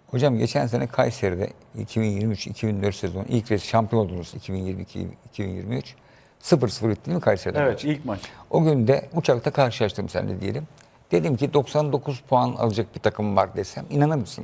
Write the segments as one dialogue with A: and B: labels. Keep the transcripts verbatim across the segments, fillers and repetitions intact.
A: Hocam geçen sene Kayseri'de iki bin yirmi üç iki bin dört sezonu ilk kez şampiyon oldunuz iki bin yirmi iki iki bin yirmi üç. sıfır sıfır bitti değil mi Kayseri'de?
B: Evet,
A: maç?
B: ilk maç.
A: O gün de uçakta karşılaştım seninle diyelim. Dedim ki doksan dokuz puan alacak bir takım var desem inanır mısın?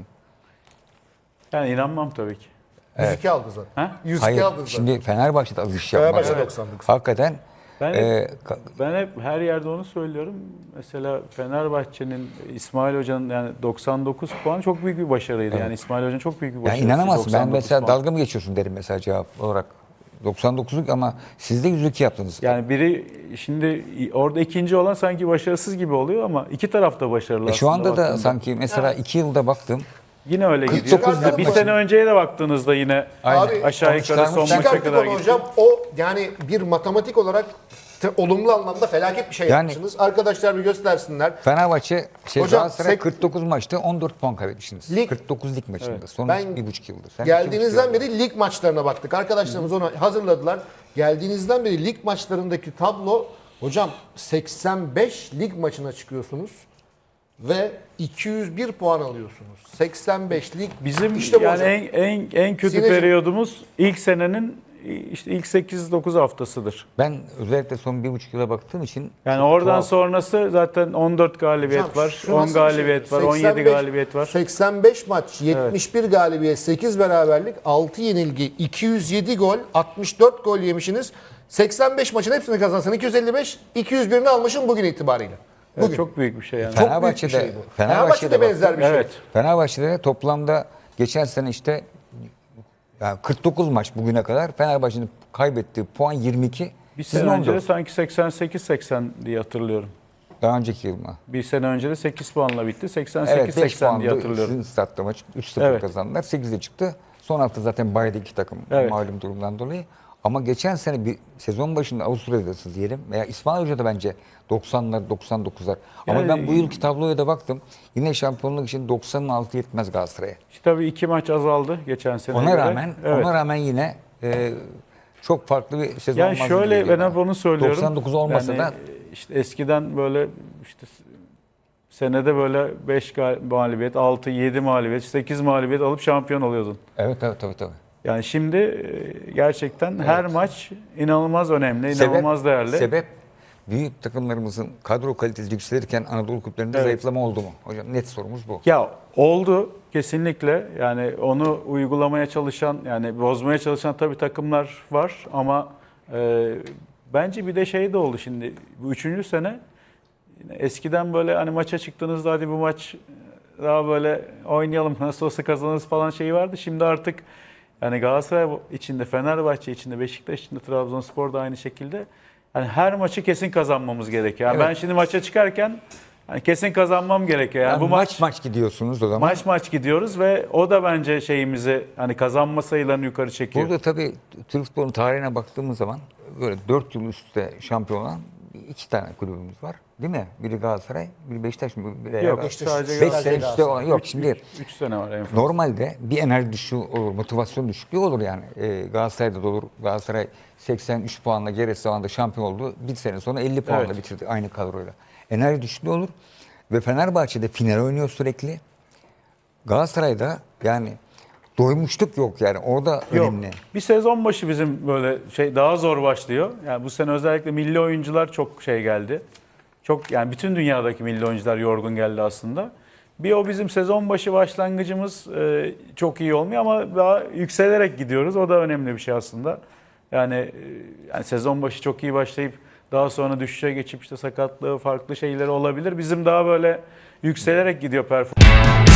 B: Yani inanmam tabii ki.
C: yüz iki aldı zaten.
B: Ha?
C: yüz iki
A: Hayır.
C: aldı zaten.
A: Şimdi Fenerbahçe'de az iş yapmaz.
C: Fenerbahçe
A: Evet.
C: doksan dokuz.
A: Hakikaten
B: Ben hep,
A: e, ka-
B: ben hep her yerde onu söylüyorum. Mesela Fenerbahçe'nin, İsmail Hoca'nın yani doksan dokuz puan çok büyük bir başarıydı. Yani İsmail Hoca'nın çok büyük bir
A: yani
B: başarısı.
A: inanamazsın. Ben
B: doksan dokuz
A: mesela
B: puan.
A: dalga mı geçiyorsun derim mesela cevap olarak. doksan dokuzluk ama siz de yüz iki yaptınız.
B: Yani biri şimdi orada ikinci olan sanki başarısız gibi oluyor ama iki taraf da başarılı
A: E şu
B: aslında
A: anda da
B: baktığında.
A: sanki mesela iki yılda baktım.
B: Yine öyle
A: kırk
B: gidiyor.
A: dokuz
B: Ya bir
A: maçı.
B: sene önceye de baktığınızda yine
A: Aynen.
B: aşağı
A: Onu
B: yukarı son
A: çıkarmış.
B: maça
C: Çıkarttık
B: kadar
C: onu
B: gidiyor.
C: hocam. O yani bir matematik olarak te- olumlu anlamda felaket bir şey
A: Yani-
C: yapmışsınız. Arkadaşlar bir göstersinler.
A: Fenerbahçe şey
C: Hocam,
A: Galatasaray
C: sek-
A: kırk dokuz maçta on dört puan kaybetmişsiniz.
C: Lig-
A: kırk dokuz lig maçında. Son
C: Ben
A: bir buçuk yıldır. Sen iki buçuk
C: Geldiğinizden
A: yıldır.
C: beri lig maçlarına baktık. Arkadaşlarımız onu hazırladılar. Geldiğinizden beri lig maçlarındaki tablo hocam seksen beş lig maçına çıkıyorsunuz ve iki yüz bir puan alıyorsunuz. seksen beş lig.
B: Bizim
C: işte bu
B: yani
C: hocam.
B: en en en kötü
C: Sineciğim.
B: periyodumuz ilk senenin işte ilk sekiz dokuz haftasıdır.
A: Ben özellikle son bir buçuk yıla baktığım için
B: Yani
A: çok
B: oradan
A: tuhaf.
B: sonrası zaten on dört galibiyet
C: Hocam,
B: var,
C: şu
B: on
C: nasıl bir
B: galibiyet
C: şey?
B: var, on yedi
C: seksen beş
B: galibiyet var.
C: seksen beş maç, yetmiş bir galibiyet, sekiz beraberlik, altı yenilgi, iki yüz yedi gol, altmış dört gol yemişsiniz. seksen beş maçın hepsini kazansan iki yüz elli beş, iki yüz birini almışsın bugün itibariyle.
B: Evet,
C: Bugün.
B: çok büyük bir şey yani.
C: Çok
A: Fenerbahçe'de-
C: büyük bir şey bu.
A: Fenerbahçe'de
C: Fenerbahçe'de benzer bir şey.
B: Evet.
A: Fenerbahçe'de toplamda geçen sene işte yani kırk dokuz maç bugüne kadar Fenerbahçe'nin kaybettiği puan yirmi iki.
B: Bir
A: Sizin
B: sene önce de
A: on dört.
B: sanki seksen sekiz seksen diye hatırlıyorum.
A: Daha önceki yıl mı?
B: Bir sene önce de sekiz puanla bitti. seksen
A: Evet
B: sekiz
A: beş
B: seksen diye
A: puandı.
B: hatırlıyorum.
A: Sizin statta maç üç sıfır
B: Evet.
A: kazandılar. sekizde çıktı. Son hafta zaten baydı iki takım
B: Evet.
A: malum durumdan dolayı. Ama geçen sene bir sezon başında Avusturya'dasınız diyelim. Veya İsmail Hoca da bence doksanlar doksan dokuzlar. Ama
B: Yani-
A: ben bu yılki tabloya da baktım. Yine şampiyonluk için doksanın altı yetmez Galatasaray'a.
B: İşte tabii iki maç azaldı geçen sene.
A: Ona
B: göre.
A: rağmen
B: Evet.
A: ona rağmen yine e, çok farklı bir sezon
B: Yani
A: olmaz gibi
B: şöyle
A: geliyor
B: ben
A: bana.
B: hep onu söylüyorum.
A: doksan dokuz olmasa
B: Yani
A: da
B: işte eskiden böyle işte senede böyle beş mağlubiyet, altı yedi mağlubiyet, sekiz mağlubiyet alıp şampiyon oluyordun.
A: evet evet tabii tabii.
B: Yani şimdi e, gerçekten her maç inanılmaz önemli,
A: Sebep-
B: inanılmaz değerli.
A: Sebep büyük takımlarımızın kadro kalitesi yükselirken Anadolu kulüplerinde
B: Evet.
A: zayıflama oldu mu? Hocam net sorumuz bu.
B: Ya oldu kesinlikle. Yani onu uygulamaya çalışan, yani bozmaya çalışan tabii takımlar var ama e, bence bir de şey de oldu şimdi. Bu üçüncü sene yine eskiden böyle hani maça çıktığınızda hadi bu maç daha böyle oynayalım nasıl olsa kazanırız falan şeyi vardı. Şimdi artık yani Galatasaray içinde, Fenerbahçe içinde, Beşiktaş içinde, Trabzonspor da aynı şekilde yani her maçı kesin kazanmamız gerekiyor. Yani
A: Evet.
B: ben şimdi maça çıkarken yani kesin kazanmam gerekiyor. Yani,
A: Yani
B: bu
A: maç
B: maç
A: maç gidiyorsunuz o zaman.
B: maç maç gidiyoruz ve o da bence şeyimizi hani kazanma sayılarını yukarı çekiyor.
A: Burada tabii Türk futbolunun tarihine baktığımız zaman böyle dört yıl üst üste şampiyon olan iki tane kulübümüz var. Değil mi? Biri Galatasaray, biri Beşiktaş mı? Biri
B: Yok,
A: Beşiktaş.
B: sadece
A: Beş
B: Galatasaray.
A: sene üstte olan yok. Şimdi
B: üç sene var en fazla.
A: normalde bir enerji düşüğü olur, motivasyon düşüklüğü olur yani. Ee, Galatasaray'da da olur. Galatasaray seksen üç puanla geri zamanında şampiyon oldu. Bir sene sonra elli puanla
B: Evet.
A: bitirdi aynı kadroyla. Enerji düşüklüğü olur. Ve Fenerbahçe'de final oynuyor sürekli. Galatasaray'da yani doymuşluk yok yani. Orada
B: Yok.
A: önemli.
B: Bir sezon başı bizim böyle şey daha zor başlıyor. Yani bu sene özellikle milli oyuncular çok şey geldi. Çok yani bütün dünyadaki milli oyuncular yorgun geldi aslında. Bir o bizim sezon başı başlangıcımız e, çok iyi olmuyor ama daha yükselerek gidiyoruz. O da önemli bir şey aslında. Yani, e, yani sezon başı çok iyi başlayıp daha sonra düşüşe geçip işte sakatlığı farklı şeyleri olabilir. Bizim daha böyle yükselerek gidiyor performans.